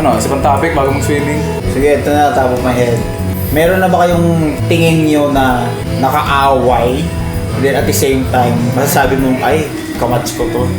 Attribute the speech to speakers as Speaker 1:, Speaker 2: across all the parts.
Speaker 1: Ano, isa pang topic bago mag-swimming?
Speaker 2: Sige, ito na, top of my head. Meron na ba kayong tingin nyo na nakaaway, then at the same time, masasabi mong, ay, kamats ko to.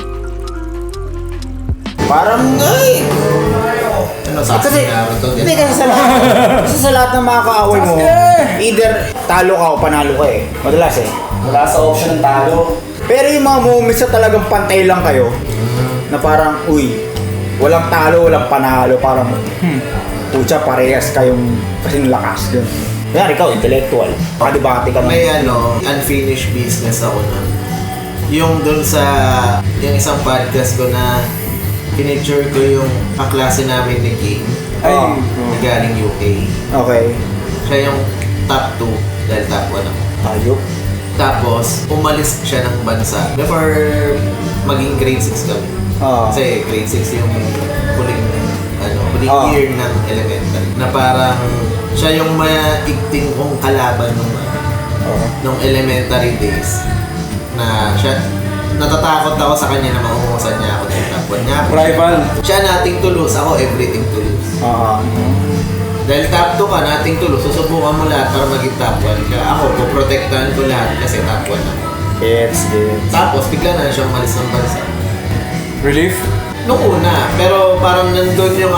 Speaker 2: Parang, ay!
Speaker 3: Ano, sabi nga ito?
Speaker 2: Hindi kasi sa lahat ng mga kaaway mo, either talo ka o panalo ka eh. Madalas eh.
Speaker 1: Wala sa option ng talo.
Speaker 2: Pero yung mga moments na talagang pantay lang kayo, na parang, uy, walang talo, walang panalo, parang, pucha, parehas kayong kasing lakas dun. Kaya ikaw, intellectual. Makadibate ka
Speaker 3: May unfinished business ako na. Yung dun sa, yung isang podcast ko na pinicture ko yung kaklase namin ni King.
Speaker 1: Ay,
Speaker 3: Na galing UK.
Speaker 2: Okay.
Speaker 3: Siya yung top 2 dahil top 1 ako.
Speaker 2: Ayok.
Speaker 3: Tapos, umalis siya ng bansa before maging grade 6 kami. Kasi grade 6 yung huling year ng elementary. Na parang siya yung maigting kong kalaban nung elementary days. Na siya, natatakot ako sa kanya na maungusan niya ako dahil top 1 niya ako.
Speaker 1: Rival.
Speaker 3: Siya nothing to lose, ako everything to lose. Dahil top 2 ka, nothing to lose, susubukan mo lahat para maging top 1 ka. Ako, puprotektahan ko lahat kasi top 1 ako.
Speaker 2: Gets.
Speaker 3: Tapos, bigla na siya umalis ng bansa.
Speaker 1: Relief?
Speaker 3: Nung una, pero parang nandun yung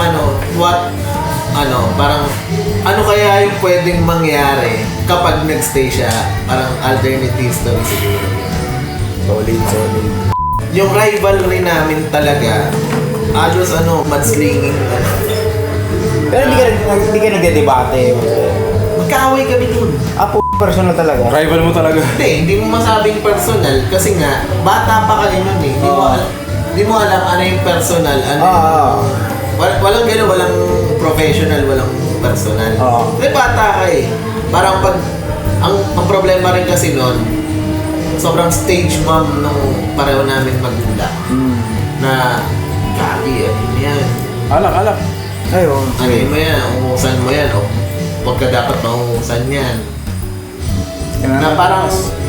Speaker 3: parang ano kaya yung pwedeng mangyari kapag nagstay siya, parang alternative story siguro.
Speaker 2: Solid.
Speaker 3: Yung rivalry namin talaga, halos mudslinging.
Speaker 2: Pero hindi ka nagdedebate.
Speaker 3: Magkaaway kami dun.
Speaker 2: Personal talaga.
Speaker 1: Rival mo talaga.
Speaker 3: Hindi mo masabing personal kasi nga, bata pa ka nun eh. Hindi mo alam ano yung personal, ano walang gano'n, walang professional, walang personal. Kasi bata ka eh. Parang ang problema rin kasi nun, sobrang stage mom nung pareho namin magulang. Na, gagi, ano yan?
Speaker 1: Alak.
Speaker 2: Ayun.
Speaker 3: Ano mo yan? Umuusan mo yan. O, huwag ka dapat maungusan yan. Na parang,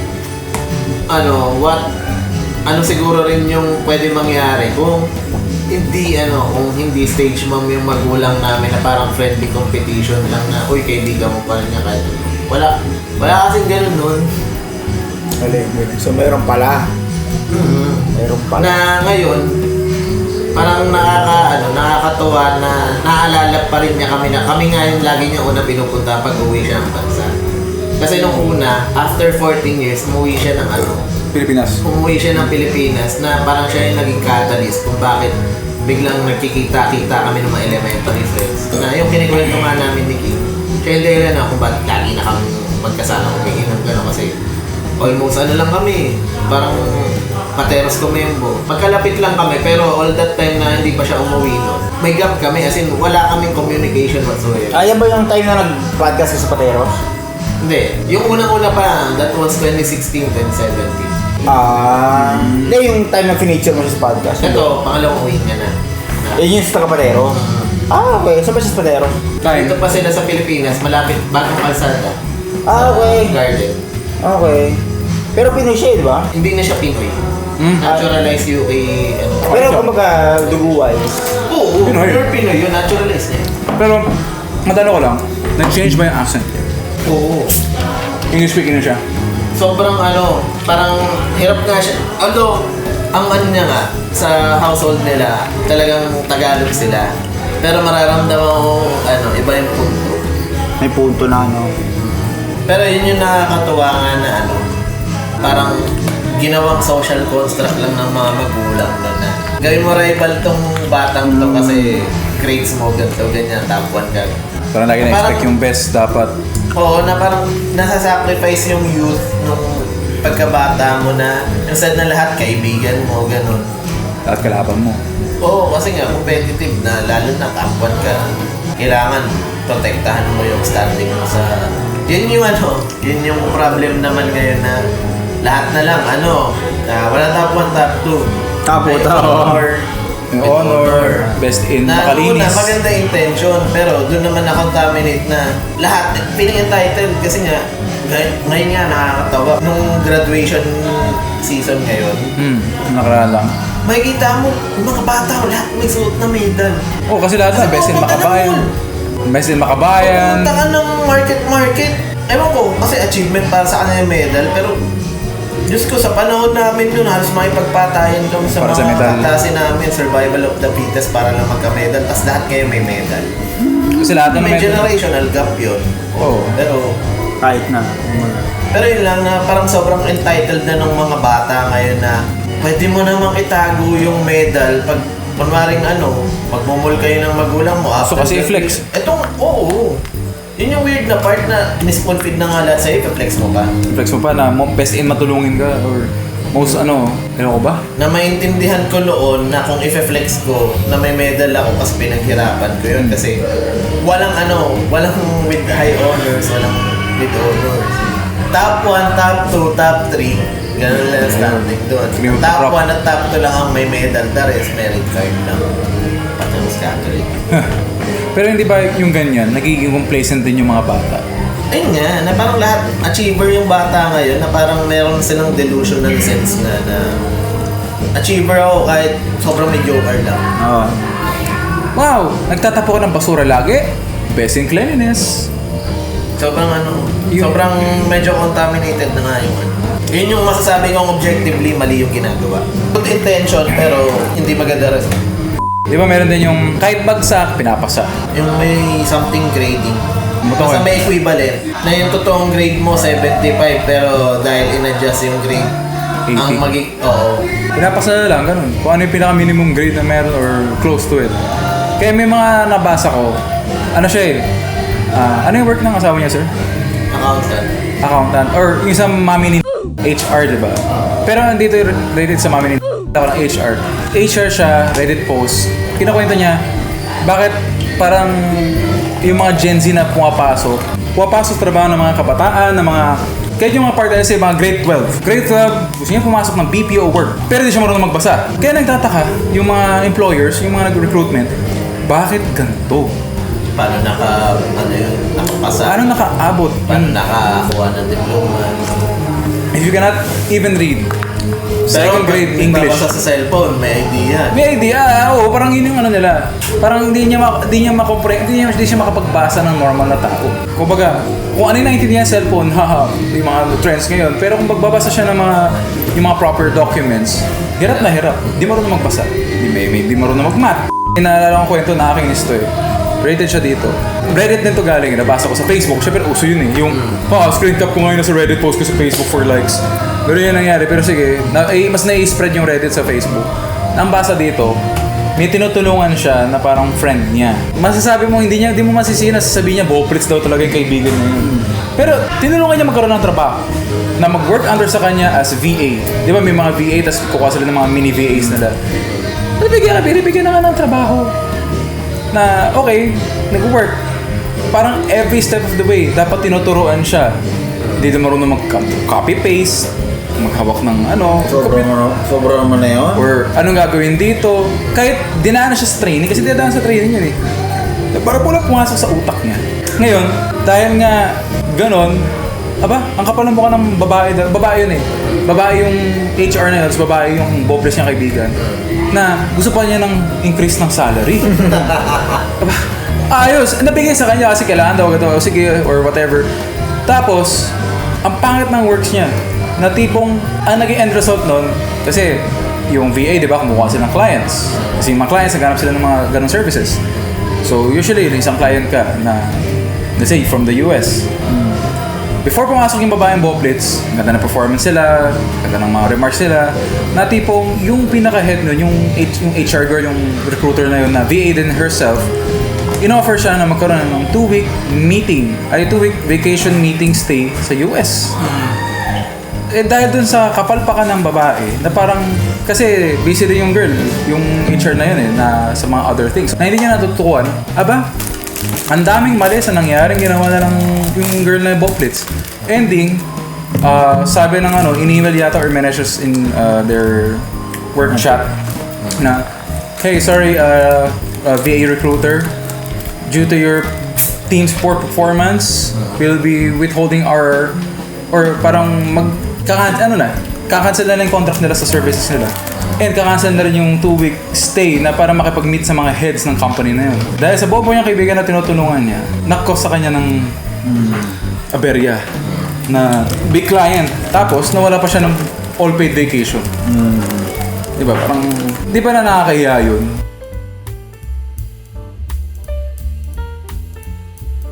Speaker 3: ano siguro rin yung pwede mangyari kung hindi stage mom yung magulang namin na parang friendly competition lang na, uy, kaibigan mo pa rin niya kahit wala kasing ganun nun.
Speaker 2: So mayroon pala. Mayroon pala.
Speaker 3: Na ngayon, parang nakakatuwa na naalala pa rin niya kami na kami nga yung lagi niya una pinupunta pag uwi siya ng bansa. Kasi nung una, after 14 years, umuwi siya ng
Speaker 1: Pilipinas.
Speaker 3: Umuwi siya ng Pilipinas na parang siya yung naging catalyst kung bakit biglang nagkikita-kita kami ng mga elementary friends. Na yung kinikwento nga namin ni King, siya yung dahilan na kung bakit lagi na kami magkasama umiinom gano'n kasi almost lang kami, parang pateros kumembo. Magkalapit lang kami pero all that time na hindi pa siya umuwi nun, may gap kami as in wala kaming communication whatsoever.
Speaker 2: Yan ba yung time na nag-podcast ka sa Pateros?
Speaker 3: Hindi. Yung unang-una pa, that was 2016, 2017.
Speaker 2: Hindi yung time na finiture mo sa podcast.
Speaker 3: Ito, pangalawang uwi niya na.
Speaker 2: Yun yung sa Patero? Okay. Saan ba siya sa Patero?
Speaker 3: Dito pa sila sa Pilipinas, malapit, bagong kalsada.
Speaker 2: Okay.
Speaker 3: Garden.
Speaker 2: Okay. Pero Pinoy siya, di ba?
Speaker 3: Hindi na siya Pinoy. Naturalized UK,
Speaker 2: Pero kumbaga, dugu-wise.
Speaker 3: Oo,
Speaker 1: Pinoy.
Speaker 3: pure Pinoy yun, naturalized niya.
Speaker 1: Pero, madalo ko lang, nag-change ba yung accent?
Speaker 3: Oo.
Speaker 1: English speaking na siya.
Speaker 3: Sobrang parang hirap nga siya. Although, ang niya nga, sa household nila, talagang Tagalog sila. Pero mararamdaman mo, iba yung punto.
Speaker 2: May punto na
Speaker 3: Pero yun yung nakakatuwa nga na parang ginawang social construct lang ng mga magulang na gawin mo rival tong batang to kasi grades mo ganito, ganyan, top 1 ka.
Speaker 1: Parang lagi na-expect yung best dapat.
Speaker 3: Oo, na parang nasa-sacrifice yung youth nung pagkabata mo na instead na lahat kaibigan mo, ganun.
Speaker 1: Lahat kalaban mo.
Speaker 3: Oo, kasi nga competitive na lalo na top 1 ka. Kailangan protektahan mo yung standing mo sa... Yun yung problem naman ngayon na lahat na lang, wala top 1, top 2.
Speaker 1: May honor, best in makalinis.
Speaker 3: Na maganda intention, pero doon naman na-contaminate na lahat, feeling entitled kasi nga, ngayon nga nakakatawa. Nung graduation season ngayon,
Speaker 1: Nakaraan lang.
Speaker 3: makikita mo, yung mga bata, lahat may suot na medal.
Speaker 1: Oh, kasi lahat na, best in
Speaker 3: pupunta na
Speaker 1: Makabayan.
Speaker 3: mall.
Speaker 1: Best in Makabayan.
Speaker 3: Pupunta ka ng market. Ewan ko, kasi achievement para sa kanila yung medal, pero Diyos ko, sa panahon namin yun, halos makipagpatayan kami sa
Speaker 1: Para sa
Speaker 3: mga
Speaker 1: medal.
Speaker 3: kaklase namin, survival of the fittest para lang magka-medal, tapos lahat kayo may medal.
Speaker 1: Kasi lahat na
Speaker 3: May generational gap yun.
Speaker 1: Oo.
Speaker 2: Kahit na.
Speaker 3: Pero yun lang na parang sobrang entitled na ng mga bata ngayon na pwede mo namang itago yung medal pag kunwaring magmumul kayo ng magulang mo.
Speaker 1: So kasi i-flex.
Speaker 3: Oo. Yun yung weird na part na misconfid na nga lahat sa'yo, i-flex mo pa.
Speaker 1: Flex mo pa na best in matulungin ka or most ano ko ba?
Speaker 3: Na maintindihan ko noon na kung i-flex ko na may medal ako kasi pinaghirapan ko yun kasi walang with high honors, walang with honors. Top 1, top 2, top 3, ganun lang ang standing doon.
Speaker 1: Cream of the
Speaker 3: Top
Speaker 1: crop.
Speaker 3: 1 at top 2 lang ang may medal, the rest merit card lang. Patungos Catholic.
Speaker 1: Pero hindi ba yung ganyan, nagiging complacent din yung mga bata?
Speaker 3: Ayun nga, na parang lahat achiever yung bata ngayon, na parang meron silang delusional sense na achiever ako kahit sobrang mediocre lang.
Speaker 1: Oo. Wow! Nagtatapo ka ng basura lagi? Best in cleanliness.
Speaker 3: Sobrang sobrang medyo contaminated na nga yung Yun yung masasabi kong objectively mali yung ginagawa. Good intention pero hindi maganda rin.
Speaker 1: Di ba meron din yung kahit bagsak, pinapasa.
Speaker 3: Yung may something grading.
Speaker 1: Motor.
Speaker 3: Basta may equivalent na yung totoong grade mo 75 pero dahil in-adjust yung grade
Speaker 1: 80.
Speaker 3: oo.
Speaker 1: Pinapasa na lang, ganun. Kung ano yung pinaka-minimum grade na meron or close to it. Kaya may mga nabasa ko, siya ano yung work ng asawa niya, sir? Accountant. Or yung sa mami ni HR, di ba? Pero andito rated sa mami ni ako ng HR. HR siya, Reddit post. Kinakwento niya, bakit parang yung mga Gen Z na pumapasok sa trabaho ng mga kabataan, ng mga kahit yung mga part sa mga grade 12. Grade 12, gusto niya pumasok ng BPO work. Pero di siya marunong magbasa. Kaya nagtataka yung mga employers, yung mga nag-recruitment, bakit ganito?
Speaker 3: Paano nakapasa?
Speaker 1: Paano nakaabot?
Speaker 3: Paano nakakuha ng diploma?
Speaker 1: If you cannot even read second grade English.
Speaker 3: Babasa sa cellphone, may idea.
Speaker 1: May idea, oo, parang yun yung nila. Parang hindi niya makapagbasa ng normal na tao. Kumbaga, kung ano yung naintindihan sa cellphone, yung mga trends ngayon. Pero kung magbabasa siya ng yung mga proper documents, hirap na hirap. Di marunong magbasa. Di marunong mag-math. Inaalala ko kwento na aking isto Rated siya dito. Reddit din to galing. Nabasa ko sa Facebook. Siyempre, uso yun Yung, screen cap ko ngayon sa Reddit post ko sa Facebook for likes. Pero yun nangyari. Pero sige, mas nai-spread yung Reddit sa Facebook. Ang basa dito, may tinutulungan siya na parang friend niya. Masasabi mo, hindi mo masisihin na sasabihin niya, Boplitz daw talaga yung kaibigan niya yun. Pero tinulungan niya magkaroon ng trabaho na mag-work under sa kanya as VA. Di ba may mga VA, tapos kukuha sila ng mga mini VAs nila. Binibigyan na nga ng trabaho. Na okay, nag-work. Parang every step of the way, dapat tinuturuan siya. Hindi na marunong mag-copy-paste, maghawak ng
Speaker 2: Sobrang naman na yun.
Speaker 1: or anong gagawin dito. Kahit dinaan na siya sa training, kasi dinaan sa training yun Para pula pumasok sa utak niya. Ngayon, dahil nga ganon, ang kapal ng mukha ng babae, babae yun Babae yung HR na yun, tapos babae yung bobles niyang kaibigan. Na gusto pa niya ng increase ng salary. Ayos, nabigay sa kanya kasi kailangan daw sige or whatever. Tapos, ang pangit ng works niya, na tipong, ang naging end result nun, kasi yung VA, di ba, kumukuha sila ng clients. Kasi yung mga clients, naghanap sila ng mga ganong services. So, usually, isang client ka na, let's say, from the US. Before pumasok yung babaeng Boplitz, ganda ng performance sila, ganda ng mga remarks sila, na tipong yung pinaka-head nun, yung HR girl, yung recruiter na yun, na VA din herself, in-offer siya na magkaroon ng 2-week vacation meeting stay sa US. Dahil dun sa kapalpakan ng babae, na parang, kasi busy din yung girl, yung HR na yun na sa mga other things. Na hindi niya natutukuan, ang daming mali sa nangyaring ginawa na lang yung girl na Boplitz. Ending, sabi ng in-email yata or messages in their work chat na, hey, sorry, VA recruiter, due to your team's poor performance, we'll be withholding our, or parang kakancel na lang yung contract nila sa services nila. And kakancel na rin yung 2-week stay na para makipag-meet sa mga heads ng company na yun. Dahil sa bobo niyang kaibigan na tinutulungan niya, nakakos sa kanya ng aberya na big client. Tapos nawala pa siya ng all-paid vacation. Diba? Parang, di ba na nakakahiya yun?